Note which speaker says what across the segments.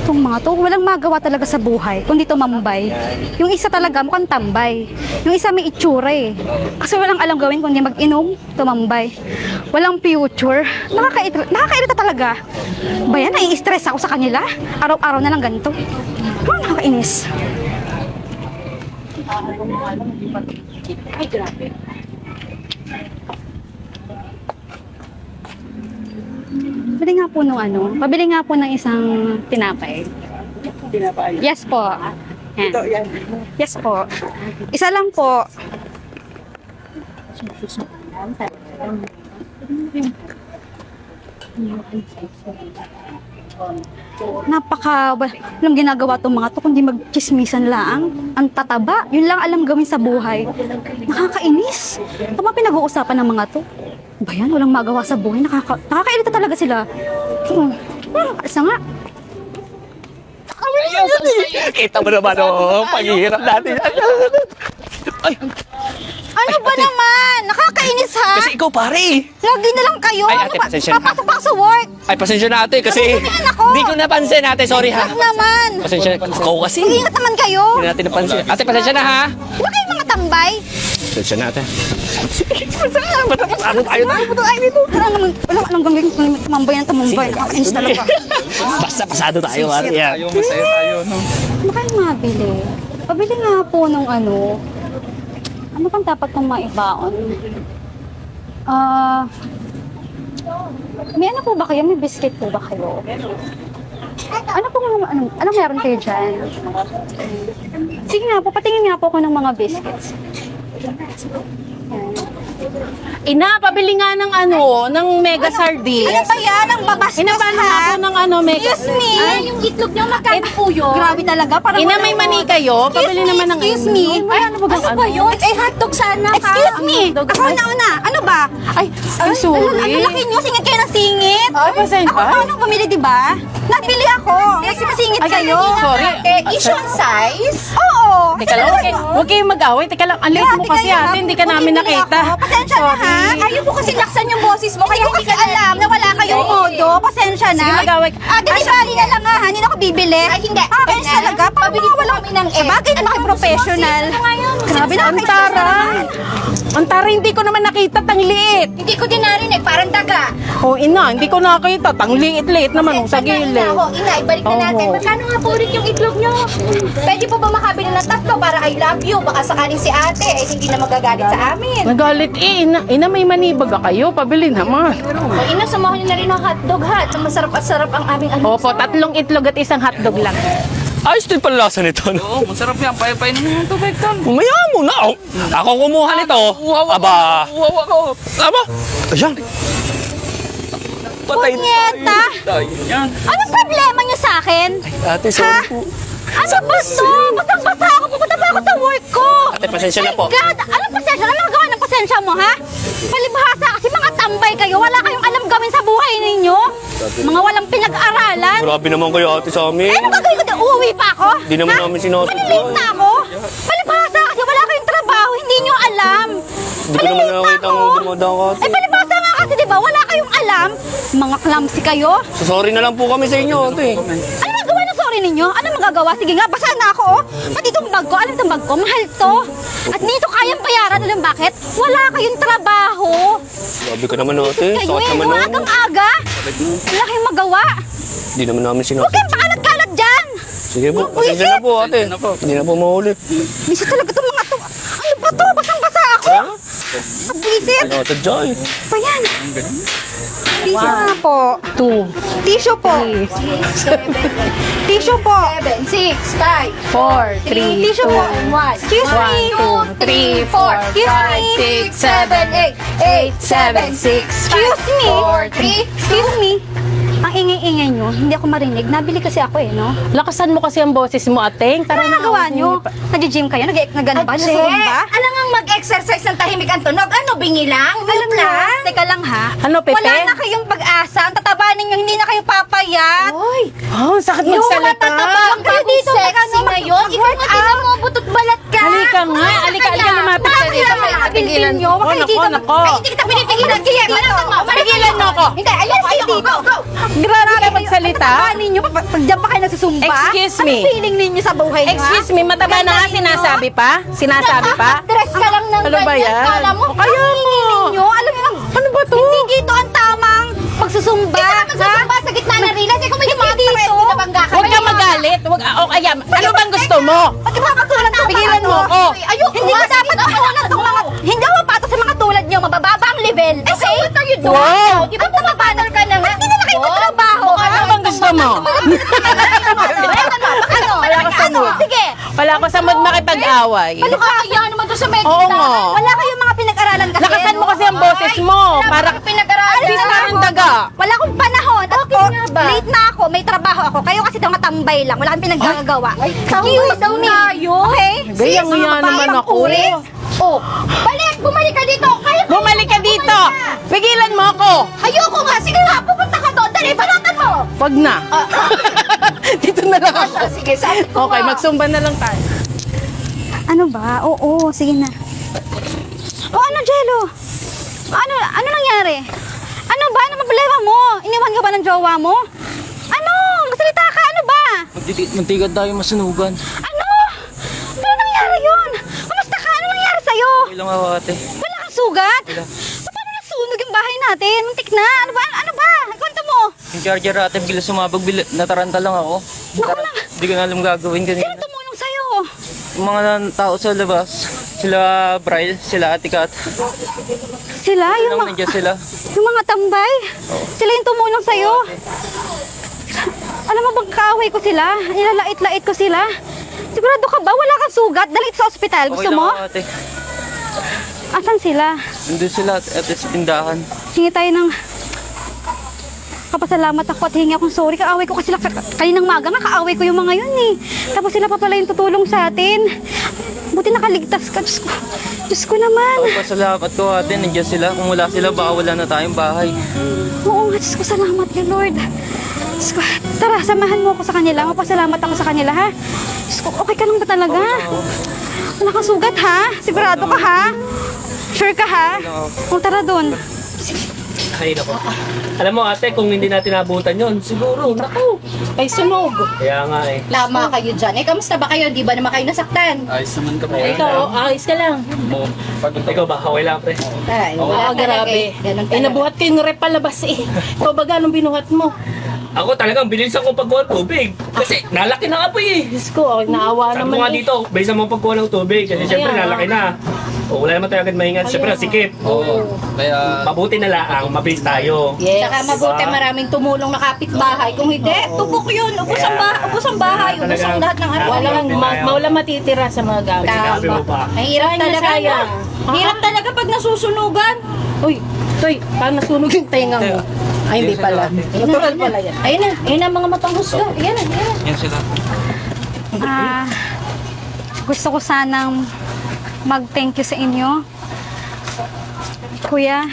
Speaker 1: Itong mga to, walang magawa talaga sa buhay, kundi tumambay. Yung isa talaga mukhang tambay. Yung isa may itsura eh. Kasi walang alam gawin kundi mag-inom, tumambay. Walang future. Nakakairita talaga. Bayan, nai-stress ako sa kanila. Araw-araw na lang ganito. Nakakainis.
Speaker 2: Ay, grabe.
Speaker 1: Pabili nga po nung pabili nga po ng isang tinapay.
Speaker 2: Tinapay.
Speaker 1: Yes po. Yan.
Speaker 2: Ito, yan.
Speaker 1: Yes po. Isa lang po. Walang ginagawa tong mga to kundi magchismisan lang. Ang tataba, yun lang alam gawin sa buhay. Nakakainis. Ito mga pinag-uusapan ng mga to. Ba yan, walang magawa sa buhay. Nakakairita talaga sila. Isa nga.
Speaker 3: Kita mo naman, paghihirap natin. Ay,
Speaker 1: Ano ba naman? Nakakainis ha?
Speaker 3: kasi ikaw pare.
Speaker 1: Lagi na lang kayo.
Speaker 3: Ay, ate, pasensya na.
Speaker 1: Papasok pa sa work.
Speaker 3: Ay, pasensya na ate kasi
Speaker 1: Nagugulian ako.
Speaker 3: hindi ko napansin ate. Sorry ha.
Speaker 1: Huwag naman.
Speaker 3: Pasensya na. Ikaw kasi.
Speaker 1: Mag-ingat naman kayo.
Speaker 3: Hindi natin napansin. Ate, pasensya na ha.
Speaker 1: Di ba kayo mga tambay?
Speaker 3: Pasensya na ate. Ano tayo dito?
Speaker 1: Wala anong gagawin kung tumambay na tumambay. Nakakainis talaga.
Speaker 3: Basta pasado tayo pare. Yan.
Speaker 2: Masaya tayo, no?
Speaker 1: Ano kayo mabili? Pabili nga po nung ano bang dapat kong maibaon? May ano po ba kayo? May biscuit po ba kayo? Ano meron kayo dyan? Sige nga po, patingin nga po ako ng mga biscuits.
Speaker 4: Ina, pabili nga ng ng mega sardines.
Speaker 1: Ano ba yan? Ang babastos
Speaker 4: Inabala nga po ng mega.
Speaker 1: Excuse me?
Speaker 4: Ay, yung itlog niyo magkano po yun?
Speaker 1: Grabe talaga. Parang
Speaker 4: Ina,
Speaker 1: wala
Speaker 4: may
Speaker 1: ko.
Speaker 4: mani kayo? Pabili naman ng
Speaker 1: Excuse me?
Speaker 4: Ay, ano ba
Speaker 1: Ano ba yun? Hotdog sana ka. Excuse me?
Speaker 4: Hotdog.
Speaker 1: Ako na. Ano ba?
Speaker 4: Ay, sorry.
Speaker 1: Ang laki nyo. Singit kayo ng singit.
Speaker 4: Ay, pasensya.
Speaker 1: Ako paano bumili, di ba? Nabili ako. Kasi masingit
Speaker 4: Ay,
Speaker 1: kayo.
Speaker 4: sorry.
Speaker 1: Issue size? Oo.
Speaker 4: Teka lang, huwag kayong mag-away. Teka lang, ang late mo kasi ate, hindi ka namin nakita.
Speaker 1: Pasensya na ha. Ayaw mo kasi laksan yung boses mo. Kaya hindi ka alam na wala kayong modo. Pasensya na.
Speaker 4: Sige, mag-away.
Speaker 1: Delivery na lang ha. Hindi na ako bibili. Ay, hindi. Kaya talaga. Pabili mo lang kami ng bagay na professional. Grabe na.
Speaker 4: Ang tara. Ang tara, hindi ko naman nakita, tang liit.
Speaker 1: Hindi ko din narinig. Parang daga.
Speaker 4: Oh, ina, hindi ko nakita, tang liit-liit naman sa gilid.
Speaker 1: Ina, ibalik na natin.
Speaker 4: Oo.
Speaker 1: Magkano nga po ulit yung itlog nyo? Pwede po ba makabili ng tatlo para I love you? Baka sakaling si ate ay hindi na magagalit sa amin.
Speaker 4: Nagalit ina, may manibaga kayo, pabili naman.
Speaker 1: O ina, samahan nyo na rin ng hotdog ha. Masarap at sarap ang aming
Speaker 4: Opo, 3 itlog at isang hotdog lang.
Speaker 3: Ayos din pala lasa nito. No?
Speaker 2: Oo, masarap yan. Payapay naman yung tubig doon.
Speaker 3: Umaya mo na. Ako kumuha nito. Aba.
Speaker 2: Uwawa ko.
Speaker 3: Aba. Ayan. Patay na
Speaker 1: Punyeta!
Speaker 3: tayo.
Speaker 2: Yan.
Speaker 1: Anong problema nyo sa akin?
Speaker 3: Ate, sorry po.
Speaker 1: Ano ba to? Basang-basa ako. Pupunta pa ako sa work ko.
Speaker 3: Ate, pasensya na po.
Speaker 1: My God! Anong pasensya? Ano magawa ng pasensya mo, ha? Palibhasa kasi mga tambay kayo. Wala kayong alam gawin sa buhay ninyo. Mga walang pinag-aralan.
Speaker 3: Grabe naman kayo ate sa amin.
Speaker 1: Eh, ano gagawin ko din? Uuwi pa ako?
Speaker 3: Di naman namin sinasadya.
Speaker 1: Malilate na ako? Palibhasa kasi wala kayong trabaho. Hindi nyo alam.
Speaker 3: Hindi ko naman nakakita ang dumadang ate.
Speaker 1: Eh, palibhasa nga kasi, di ba? Wala kayong alam. Mga clumsy kayo.
Speaker 3: So, sorry na lang po kami sa inyo ate.
Speaker 1: Ano magawa ng sorry ninyo? Ano magagawa? Sige nga, basa na ako. Pati itong bag ko, alam itong bag ko, mahal to. At dito kayang bayaran. Alam bakit? Wala kayong trabaho.
Speaker 3: Grabe ka naman ate.
Speaker 1: Kayo
Speaker 3: Sakit naman nun.
Speaker 1: umagang-aga. Wala kayong magawa.
Speaker 3: Hindi naman namin
Speaker 1: Huwag
Speaker 3: sinasadya.
Speaker 1: kayong pakalat-kalat dyan.
Speaker 3: Sige po, pasensya na po ate. Hindi na po maulit.
Speaker 1: Bisa talaga itong mga to. Ano ba to? Basang-basa ako. Pag-visit.
Speaker 3: Ano ate Joy?
Speaker 1: Pa yan. Tissue nga po.
Speaker 4: 2,
Speaker 1: Tissue po. Tissue po.
Speaker 4: 7, 6, 5, 4, 3,
Speaker 1: Tissue po.
Speaker 4: 1.
Speaker 1: Excuse me.
Speaker 4: 1, 2, 3, 4,
Speaker 1: Excuse me.
Speaker 4: 5, 6, 7, 8, 8, 7, 6,
Speaker 1: Excuse me.
Speaker 4: 4, 3.
Speaker 1: Excuse me. Ang ingay-ingay nyo, hindi ako marinig. Nabili kasi ako no?
Speaker 4: Lakasan mo kasi ang boses mo, ateng.
Speaker 1: Ano nagawa nyo? Nag-gym kayo? Nag-ano ba? Nag-zumba?
Speaker 5: Alam nga mag-exercise ng tahimik ang tunog. Ano, bingi lang?
Speaker 1: Alam mo, teka lang ha.
Speaker 4: Ano, Pepe?
Speaker 1: Wala na kayong pag-asa. Ang tataba ninyo, hindi na kayo papayat.
Speaker 5: Oy,
Speaker 4: Oh, sakit
Speaker 1: Yung
Speaker 4: magsalita.
Speaker 1: matatabang kayo dito.
Speaker 5: sexy ngayon. Ikaw nga tinan mo, butot balat ka.
Speaker 4: Halika nga, halika lumapit ka dito.
Speaker 1: Pigilan nyo.
Speaker 4: Oh, nako, nako.
Speaker 5: Hindi kita pinipigilan. Sige, malatan mo.
Speaker 4: Pigilan mo ako.
Speaker 5: Hindi, ayun kayo. Go, go.
Speaker 4: Grabe ka magsalita.
Speaker 1: Tataba ninyo. Pag dyan pa kayo nagsusunod. magsusumba?
Speaker 4: Excuse me.
Speaker 1: Ano feeling ninyo sa buhay niyo, ha?
Speaker 4: Excuse me, mataba na nga, sinasabi pa? Sinasabi pa?
Speaker 5: Dress ka lang ng
Speaker 4: Ano ba
Speaker 5: ganyan.
Speaker 4: yan?
Speaker 5: Kala mo,
Speaker 4: Kaya mo.
Speaker 1: Ninyo, alam niyo lang,
Speaker 4: Ano ba to?
Speaker 1: hindi dito ang tamang pagsusumba.
Speaker 5: Isa ka magsusumba sa gitna ng rilas. Eh, kung may mga
Speaker 1: dito.
Speaker 5: threat, binabangga ka.
Speaker 4: Huwag ka magalit. Huwag, o kaya, ano bang gusto mo?
Speaker 1: Pag mga katulad ko,
Speaker 4: Pigilan mo ako.
Speaker 5: Ayoko.
Speaker 1: Hindi ko dapat makunan tong mga, hindi ako pato sa mga tulad niyo, mabababa ang level.
Speaker 5: Eh, so what are you doing?
Speaker 4: Wow.
Speaker 5: Di ba pumapanal ka na nga?
Speaker 1: Hindi na kayo magtrabaho.
Speaker 4: Ano bang gusto mo?
Speaker 5: Ano?
Speaker 4: Wala ka sa mood.
Speaker 5: Sige.
Speaker 4: Wala ko sa mood makipag-away.
Speaker 5: Ano ka kaya naman doon sa medyo?
Speaker 4: Oo nga.
Speaker 1: Wala kayong mga pinag-aralan kasi.
Speaker 4: Lakasan mo kasi ang boses mo. Para
Speaker 5: pinag-aralan.
Speaker 4: Alis na ng daga.
Speaker 1: Wala akong panahon.
Speaker 5: Okay
Speaker 1: Ako,
Speaker 5: nga ba?
Speaker 1: late na ako, may trabaho ako. Kayo kasi mga tambay lang. Wala kang pinaggagawa.
Speaker 5: Excuse
Speaker 1: daw
Speaker 5: me.
Speaker 1: Okay?
Speaker 4: Gayang nga naman ako.
Speaker 5: Oh, bumalik ka dito. Kaya
Speaker 4: Bumalik ka dito. Pigilan mo ako.
Speaker 5: ayoko nga. Sige nga, pupunta ka doon. Dali, balatan mo.
Speaker 4: Wag na. Dito na lang ako.
Speaker 5: Sige, sabi ko
Speaker 4: Okay,
Speaker 5: nga.
Speaker 4: magsumba na lang tayo.
Speaker 1: Ano ba? Oo, sige na. O ano, Jello? Ano nangyari? Ano ba? Ano problema mo? Iniwan ka ba ng jowa mo? Ano? Magsalita ka, ano ba?
Speaker 2: Muntikan tayo masunugan.
Speaker 1: Ano? Ano nangyari yun? Kamusta ka? Ano nangyari sa'yo?
Speaker 2: Okay lang ako ate.
Speaker 1: Wala kang sugat? Paano nasunog yung bahay natin? Muntik na. Ano ba? Ano ba? Kwento mo.
Speaker 2: Yung charger ate, bila sumabog, nataranta lang ako. Hindi ko na alam gagawin
Speaker 1: Sino
Speaker 2: kanina.
Speaker 1: tumulong sa'yo?
Speaker 2: Yung mga tao sa labas, sila Bryle, sila Ate Kat.
Speaker 1: Sila? Yung,
Speaker 2: Nang nandiyan sila.
Speaker 1: yung mga tambay? Sila yung tumulong sa'yo? Alam mo bang kaaway ko sila? Nilalait-lait ko sila? Sigurado ka ba? Wala kang sugat? Dalit sa ospital. Gusto
Speaker 2: Okay lang
Speaker 1: mo?
Speaker 2: ako, ate.
Speaker 1: Asan sila?
Speaker 2: Nandun sila ate sa tindahan.
Speaker 1: Hingi tayo ng kapasalamat ako at hingi akong sorry. Kaaway ko kasi sila kaninang maga nga. Kaaway ko yung mga yun eh. Tapos sila pa pala yung tutulong sa atin. Buti nakaligtas ka. Diyos ko. Diyos ko naman.
Speaker 2: Ako pasalamat ko ate, nandiyan sila. Kung wala sila, baka wala na tayong bahay.
Speaker 1: Oo nga, Diyos ko, salamat ka, Lord. Diyos ko, tara, samahan mo ako sa kanila. Mapasalamat ako sa kanila, ha? Diyos ko, okay ka lang ba talaga? Wala kang sugat, ha? Sigurado ka, ha? Sure ka, ha? O, tara doon.
Speaker 3: Ay, nako. Alam mo ate, kung hindi natin nabutan yon, siguro, naku.
Speaker 5: Ay, sunog.
Speaker 3: Kaya nga eh.
Speaker 5: Lama kayo dyan. Eh, kamusta ba kayo? Di ba naman kayo nasaktan?
Speaker 2: Ayos naman kami.
Speaker 4: Ikaw, ayos ka lang.
Speaker 3: Ikaw ba, okay lang pre?
Speaker 5: Ay, wala talaga
Speaker 4: grabe.
Speaker 5: eh. Ganun
Speaker 4: Eh,
Speaker 5: talaga.
Speaker 4: nabuhat ko yung rep palabas eh. Ikaw ba ganong binuhat mo?
Speaker 3: Ako talagang bilisan ko pagkuha ng tubig. Kasi nalaki na apoy eh.
Speaker 4: Diyos ko, naawa
Speaker 3: Sabi ko
Speaker 4: naman
Speaker 3: nga
Speaker 4: eh.
Speaker 3: dito, bilisan mo pagkuha ng tubig. Kasi syempre
Speaker 4: Kaya nga.
Speaker 3: nalaki na. O wala naman tayo agad mahingan. Syempre sikip.
Speaker 2: Oo. Kaya
Speaker 3: Mabuti na lang, mabilis tayo.
Speaker 4: Yes.
Speaker 5: Tsaka mabuti maraming tumulong na kapitbahay. Kung hindi, tubok yun. Ubus ang bahay. Ubus ang lahat ng ano.
Speaker 4: Walang, mawala matitira sa mga gamit.
Speaker 3: Sinabi mo pa.
Speaker 5: Ang hirap
Speaker 4: Sayang na
Speaker 5: talaga.
Speaker 4: sayang.
Speaker 5: no? Hirap talaga pag nasusunugan.
Speaker 4: Uy, Toy, parang nasunog yung tenga mo. Ay, hindi pala. Natural pala yan.
Speaker 5: Ayun na mga matang husga. Ayan na.
Speaker 2: yan sila.
Speaker 1: Gusto ko sanang mag-thank you sa inyo. Kuya,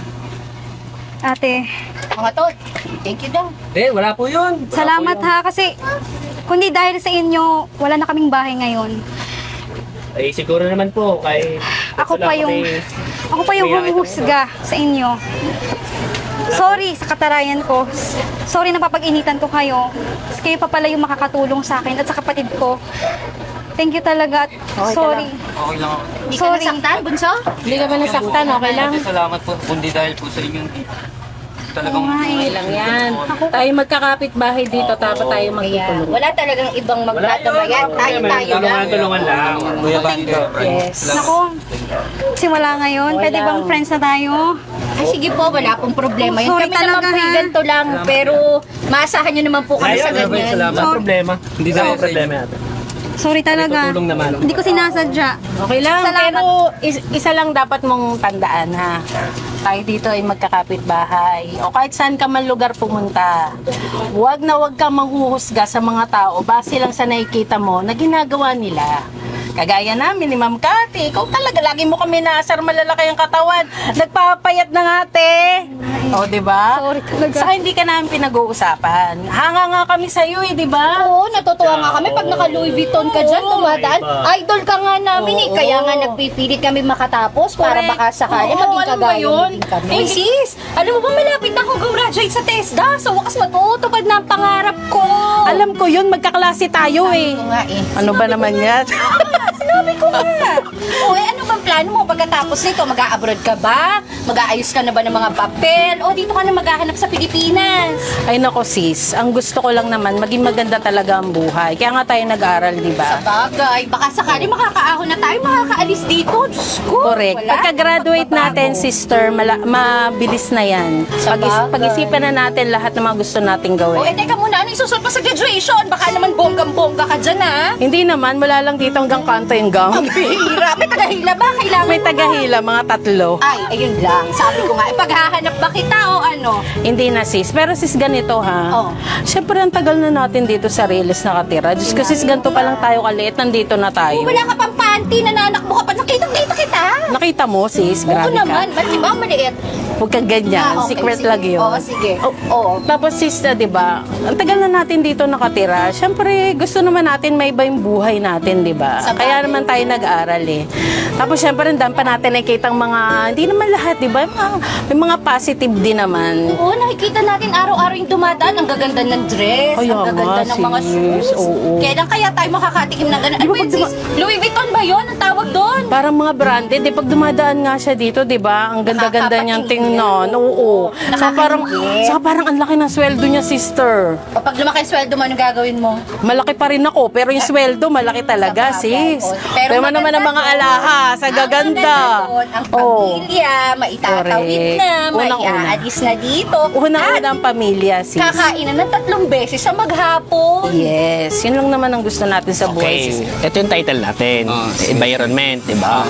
Speaker 1: ate,
Speaker 5: Mga tol, thank you daw.
Speaker 3: Wala po yun.
Speaker 1: salamat ha kasi kundi dahil sa inyo, wala na kaming bahay ngayon.
Speaker 3: Eh siguro naman po, kay...
Speaker 1: Ako pa yung humuhusga sa inyo. Sorry sa katarayan ko. Sorry na papag-initan ko kayo. Kasi kayo pa pala yung makakatulong sa akin at sa kapatid ko. Thank you talaga. At sorry.
Speaker 2: Okay lang ako.
Speaker 5: Hindi ka
Speaker 1: Sorry.
Speaker 5: nasaktan, bunso?
Speaker 4: Hindi ka ba nasaktan? Okay lang?
Speaker 2: Ate, salamat po. Kundi dahil po sa inyong talagang
Speaker 1: Oo nga eh.
Speaker 4: Okay lang yan. Tayo magkakapit bahay dito, tapos tayo
Speaker 5: Kaya
Speaker 4: magtutulong.
Speaker 5: wala talagang ibang magdadamayan. Tayo lang.
Speaker 3: Tulungan lang.
Speaker 2: Kuya Bani ka.
Speaker 4: Yes.
Speaker 1: Naku, simula ngayon, pwede bang friends na tayo?
Speaker 5: Ay, sige po, wala pong problema. Yun
Speaker 1: Sorry
Speaker 5: kami naman
Speaker 1: talaga,
Speaker 5: po
Speaker 1: ha?
Speaker 5: ganito lang. Pero maasahan nyo naman po kami sa ganyan.
Speaker 3: Salamat. Problema. Hindi
Speaker 2: dahil
Speaker 3: na
Speaker 2: sa
Speaker 3: problema natin.
Speaker 1: Sorry talaga.
Speaker 3: Tutulong naman.
Speaker 1: Hindi ko sinasadya.
Speaker 4: Okay lang,
Speaker 1: Salamat.
Speaker 4: pero isa lang dapat mong tandaan ha. Tayo dito ay magkakapit bahay. O kahit saan ka man lugar pumunta, huwag na huwag kang manghuhusga sa mga tao base lang sa nakikita mo na ginagawa nila. Kagaya namin ni Ma'am Cathy, ikaw talaga, lagi mo kami naasar, malalaki ang katawan. Nagpapayat na nga, te. O, di ba?
Speaker 1: Sorry talaga.
Speaker 4: Saka hindi ka namin pinag-uusapan. Hanga nga kami sa'yo di ba?
Speaker 5: Oo, natutuwa nga kami pag naka Louis Vuitton ka dyan, dumadaan. Idol ka nga namin eh. Kaya nga nagpipilit kami makatapos para
Speaker 4: Correct.
Speaker 5: baka sakali
Speaker 4: Oo,
Speaker 5: maging
Speaker 4: alam mo
Speaker 5: kagaya
Speaker 4: yun?
Speaker 5: mo din kami.
Speaker 4: Eh,
Speaker 5: sis, alam mo ba malapit na akong gumraduate sa TESDA? Sa wakas matutupad na ang pangarap ko.
Speaker 4: Alam ko yun, magkaklase tayo eh.
Speaker 5: ko nga eh.
Speaker 4: Ano ba naman yan?
Speaker 5: Sinabi ko nga. O ano bang plano mo pagkatapos nito? Mag-a-abroad ka ba? Mag-aayos ka na ba ng mga papel? O dito ka na maghahanap sa Pilipinas?
Speaker 4: Ay nako sis, ang gusto ko lang naman, maging maganda talaga ang buhay. Kaya nga tayo nag-aral, di ba?
Speaker 5: Bagay, baka sakali makakaahon na tayo, makakaalis dito. Diyos ko,
Speaker 4: Correct.
Speaker 5: wala.
Speaker 4: Pagka-graduate natin, sister, mabilis na yan.
Speaker 5: Sa bagay.
Speaker 4: Pag-isipan na natin lahat ng mga gusto nating
Speaker 5: O
Speaker 4: gawin.
Speaker 5: teka muna, ano isusunod pa sa graduation? Baka naman bonggang-bongga ka dyan ha?
Speaker 4: Hindi naman, mula lang dito hanggang kanto yung gang.
Speaker 5: Bihira, may tagahila ba? Kailangan
Speaker 4: May
Speaker 5: mo
Speaker 4: tagahila, mga tatlo.
Speaker 5: Ay, ayun lang. Sabi ko nga, paghahanap ba kita o ano?
Speaker 4: Hindi na sis. Pero sis, ganito ha.
Speaker 5: Oh.
Speaker 4: Siyempre, ang tagal na natin dito sa Riles nakatira. Diyos ko sis, ganito pa lang tayo kaliit. Nandito na tayo.
Speaker 5: Wala ka pang panty, nananakbo ka pa. Nakita kita.
Speaker 4: Nakita mo sis,
Speaker 5: Oo
Speaker 4: grabe
Speaker 5: naman,
Speaker 4: ka.
Speaker 5: ba't di ba ang maliit?
Speaker 4: Huwag kang ganyan.
Speaker 5: Ah, okay,
Speaker 4: Secret
Speaker 5: sige.
Speaker 4: lang yun.
Speaker 5: Oo, sige.
Speaker 4: Oh,
Speaker 5: Oo.
Speaker 4: Tapos sis, di ba? Ang tagal na natin dito nakatira. Siyempre, gusto naman natin may iba yung buhay natin, di ba?
Speaker 5: Sa
Speaker 4: Kaya
Speaker 5: bagay.
Speaker 4: naman tayo nag-aaral eh. Tapos siyempre, dan pa natin nakikita ang mga, hindi naman lahat, di ba? May mga positive din naman.
Speaker 5: Oo, nakikita natin araw-araw yung dumadaan. Ang gaganda ng dress,
Speaker 4: Ay,
Speaker 5: ang gaganda
Speaker 4: nga,
Speaker 5: ng mga
Speaker 4: sis.
Speaker 5: shoes.
Speaker 4: Oo.
Speaker 5: Kailan kaya tayo makakatikim ng ganun? Ano ba yun, sis? Louis Vuitton ba yun? Ang tawag doon?
Speaker 4: Parang mga branded, di pag dumadaan nga siya dito, di ba? Ang ganda-ganda niyang tingnan. Oo. Saka parang ang laki ng sweldo niya, sister.
Speaker 5: Kapag lumaki ang sweldo mo, anong gagawin mo?
Speaker 4: Malaki pa rin ako, pero yung sweldo, malaki talaga,
Speaker 5: Sa bagay,
Speaker 4: sis.
Speaker 5: oo.
Speaker 4: Pero naman ang mga
Speaker 5: doon,
Speaker 4: alahas, ang gaganda.
Speaker 5: Ang maganda doon, ang pamilya, maitatawid
Speaker 4: Correct.
Speaker 5: na,
Speaker 4: Unang-una.
Speaker 5: maiaalis na dito.
Speaker 4: Unang-una ang pamilya, sis.
Speaker 5: Kakainan ng 3 beses sa maghapon.
Speaker 4: Yes, yun lang naman ang gusto natin sa buhay,
Speaker 2: Okay,
Speaker 4: sis.
Speaker 2: ito yung title natin. Environment, di ba?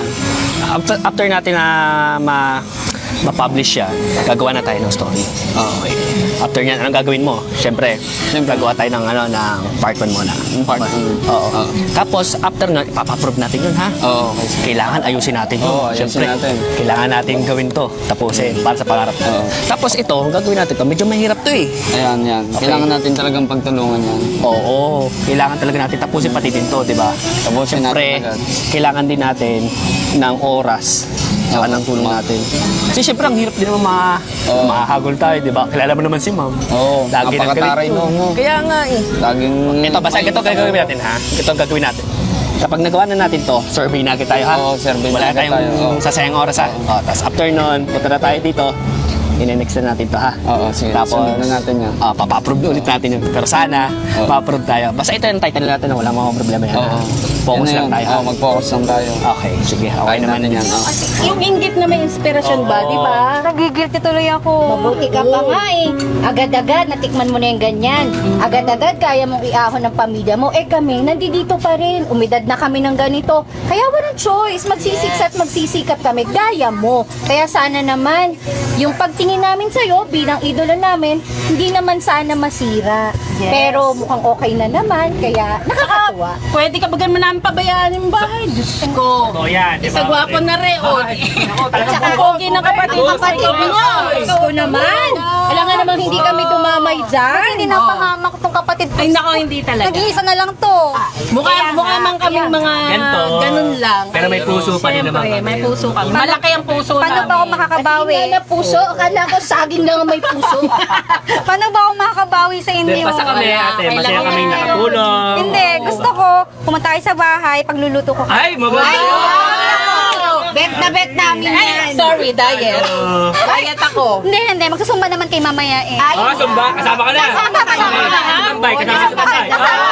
Speaker 2: After natin na ma-publish siya, gagawa na tayo ng story. Okay. After niyan, anong gagawin mo? Siyempre, gagawa tayo ng, ng part 1 muna.
Speaker 6: Part one.
Speaker 2: Oo. Tapos, after nun, ipapaprove natin yun, ha?
Speaker 6: Oo, okay.
Speaker 2: Kailangan ayusin natin yun.
Speaker 6: Oo, ayusin
Speaker 2: Siyempre,
Speaker 6: natin.
Speaker 2: kailangan natin gawin to. Tapusin, para sa pangarap.
Speaker 6: Oo.
Speaker 2: Tapos ito, ang gagawin natin to, medyo mahirap to eh.
Speaker 6: Ayan, yan. Kailangan natin talagang pagtulungan yan.
Speaker 2: Oo, kailangan talaga natin tapusin pati din to, di ba?
Speaker 6: Tapusin
Speaker 2: Siyempre,
Speaker 6: natin agad.
Speaker 2: kailangan din natin ng oras saka ng tulong natin. Kasi siyempre, ang hirap din naman
Speaker 6: Oo.
Speaker 2: mahagol tayo, di ba? Kilala mo naman si ma'am.
Speaker 6: Oo,
Speaker 2: Lagi nang
Speaker 6: napakataray
Speaker 2: galit.
Speaker 6: mo.
Speaker 2: Kaya nga eh.
Speaker 6: Laging...
Speaker 2: Ito, basta ito gagawin natin ha. Ito ang gagawin natin. Kapag nagawa na natin to, survey na tayo ha.
Speaker 6: Oo, survey na
Speaker 2: Wala
Speaker 6: agad
Speaker 2: tayong
Speaker 6: tayo, oo.
Speaker 2: sasayang oras ha. O, tapos after nun, punta na tayo dito. Ine-next na natin to ha.
Speaker 6: Oo, sige.
Speaker 2: Tapos,
Speaker 6: Sunod na natin yan.
Speaker 2: papa-approve ulit natin yun. Pero sana,
Speaker 6: Oo.
Speaker 2: pa-approve tayo. Basta ito yung title natin na wala mga problema yan. ha? Focus
Speaker 6: Yan
Speaker 2: lang
Speaker 6: na
Speaker 2: tayo
Speaker 6: yun.
Speaker 2: ha.
Speaker 6: Oo, mag-focus lang tayo.
Speaker 2: Okay, sige. Okay naman
Speaker 6: natin
Speaker 2: yan.
Speaker 6: yan. Oo.
Speaker 4: Yung inggit na may inspirasyon ba, di ba?
Speaker 1: Nagigilty tuloy ako.
Speaker 5: Mabuti ka pa nga eh. Agad-agad, natikman mo na yung ganyan. Agad-agad, kaya mong iahon ng pamilya mo. Eh kami, nandito pa rin. Umidad na kami ng ganito. Kaya walang choice. Magsisiksa at magsisikap kami. Gaya mo. Kaya sana naman, yung pagtingin namin sa'yo bilang idolo namin, hindi naman sana masira.
Speaker 4: Yes.
Speaker 5: Pero mukhang okay na naman. Kaya nakakatuwa.
Speaker 4: Pwede ka bagan mo namin pabayaan yung bahay. Diyos ko.
Speaker 3: Oo, yan. di ba?
Speaker 4: Isa gwapo na rin, o. Tsaka pogi ng kapatid.
Speaker 5: Ang kapatid niyo. Gusto naman. Alam nga naman hindi kami dumamay dyan.
Speaker 1: Hindi napahamak tong kapatid ko.
Speaker 4: Ay, nako, hindi talaga.
Speaker 1: Nag-iisa na lang to.
Speaker 4: Mukha man kaming mga
Speaker 3: Ganito.
Speaker 4: ganun lang.
Speaker 3: Pero may puso pa din naman
Speaker 4: Siyempre,
Speaker 3: kami.
Speaker 4: may puso kami. Malaki ang puso
Speaker 1: Paano
Speaker 4: namin.
Speaker 1: ba ako makakabawi?
Speaker 5: At na puso. Akala ko saging lang ang may puso.
Speaker 1: Paano ba ako makakabawi sa
Speaker 3: Hindi,
Speaker 1: inyo?
Speaker 3: basta kami, ate. Masaya
Speaker 4: Kailangan
Speaker 3: kaming
Speaker 4: na-
Speaker 3: nakatulong.
Speaker 1: Hindi, gusto ko pumunta tayo sa bahay, pagluluto ko.
Speaker 3: Ay, maganda.
Speaker 5: Bet na bet namin
Speaker 4: Ay,
Speaker 5: yan.
Speaker 4: sorry, diet. Diet ako.
Speaker 1: Hindi, magsusumba naman kay mamaya eh.
Speaker 5: Ay,
Speaker 3: Sumba, kasama ka na.
Speaker 5: Kasama ka na.
Speaker 3: Tambay, kasama sa tambay.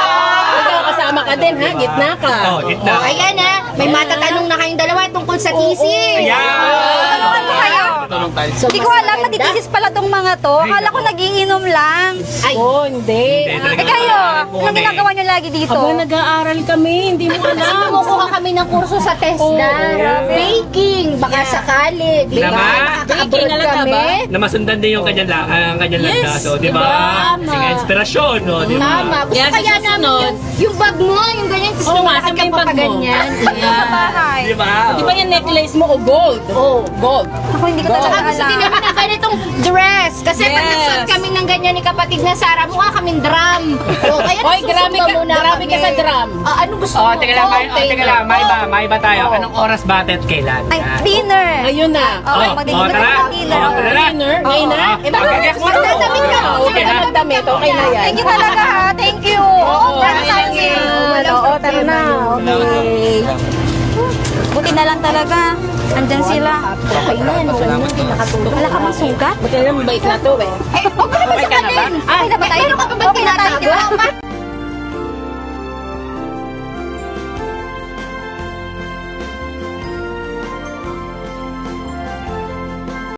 Speaker 4: Ikaw kasama ka din, ha? Gitna ka.
Speaker 3: Oh, gitna.
Speaker 5: Oh, ayan ha. May matatanong na kayong dalawa tungkol sa thesis.
Speaker 1: Tulungan ko kayo.
Speaker 6: Tulong tayo.
Speaker 1: Hindi ko alam, matitisis pala tong mga to. Akala ko nagiinom lang.
Speaker 5: Ay,
Speaker 4: Oh, hindi.
Speaker 1: Eh kayo, Anong ginagawa nyo lagi dito?
Speaker 4: Aba, nag-aaral kami, hindi mo
Speaker 5: Kasi
Speaker 4: alam.
Speaker 5: kumukuha kami ng kurso sa TESDA. Baking, baka sakali. Di ba?
Speaker 3: Tama.
Speaker 5: Makaka-abroad
Speaker 4: Baking, alam ka
Speaker 5: kami.
Speaker 4: ba?
Speaker 3: Na masundan din yung kanyang
Speaker 4: Yes,
Speaker 3: landas. O, di
Speaker 4: diba?
Speaker 3: ba?
Speaker 4: Tama.
Speaker 3: Sige, inspirasyon, no? Di ba?
Speaker 5: Tama. Gusto
Speaker 4: Yan, sa
Speaker 5: kaya namin
Speaker 4: susunod.
Speaker 5: yung bag mo, yung ganyan. Gusto
Speaker 4: Oo
Speaker 5: mo
Speaker 4: nga,
Speaker 5: lahat
Speaker 4: saan ba
Speaker 5: yung
Speaker 4: yung bag mo?
Speaker 5: papaganyan.
Speaker 1: Sa bahay.
Speaker 3: Di ba?
Speaker 4: Di ba yung necklace mo o gold? Oh, gold.
Speaker 1: Ako hindi ko
Speaker 5: Saka
Speaker 1: talaga
Speaker 5: gusto din
Speaker 1: alam.
Speaker 5: namin ng ganitong dress. Kasi pag
Speaker 4: Yes.
Speaker 5: nagsuot kami ng ganyan ni kapatid na Sarah, mukha kaming drum. O, kaya
Speaker 4: Hoy,
Speaker 5: nagsusuot
Speaker 4: grabe ka-
Speaker 5: muna
Speaker 4: grabe ka
Speaker 5: kami.
Speaker 4: sa drum.
Speaker 5: Ano gusto
Speaker 3: O,
Speaker 5: mo?
Speaker 3: teka lang, teka lang. May iba tayo.
Speaker 5: Oo.
Speaker 3: Anong oras ba at kailan?
Speaker 1: Ay,
Speaker 3: Yan.
Speaker 1: dinner.
Speaker 4: Ngayon na.
Speaker 1: Okay,
Speaker 3: Oh,
Speaker 1: magdidinner
Speaker 3: tara.
Speaker 1: ng dinner.
Speaker 3: Oh, tara na.
Speaker 4: Dinner, ngayon na.
Speaker 3: Oh,
Speaker 4: Eh, bakit
Speaker 3: magagayak mo na.
Speaker 5: Magdadamit ka.
Speaker 3: Oh, okay na.
Speaker 4: Magdadamit, okay na yan.
Speaker 1: Thank you talaga ha. Thank you.
Speaker 4: Oo,
Speaker 1: Para sa
Speaker 4: okay
Speaker 1: akin.
Speaker 4: lang yun. Oo, tara na. Okay.
Speaker 1: Buti na lang talaga. Andyan sila.
Speaker 5: Okay na, no? Hindi nakatulog.
Speaker 1: Wala ka mang sugat?
Speaker 4: Buti na lang, mabait na to eh.
Speaker 1: Eh, huwag mo naman
Speaker 3: Okay ka na ba?
Speaker 1: sakalin. Okay na ba tayo?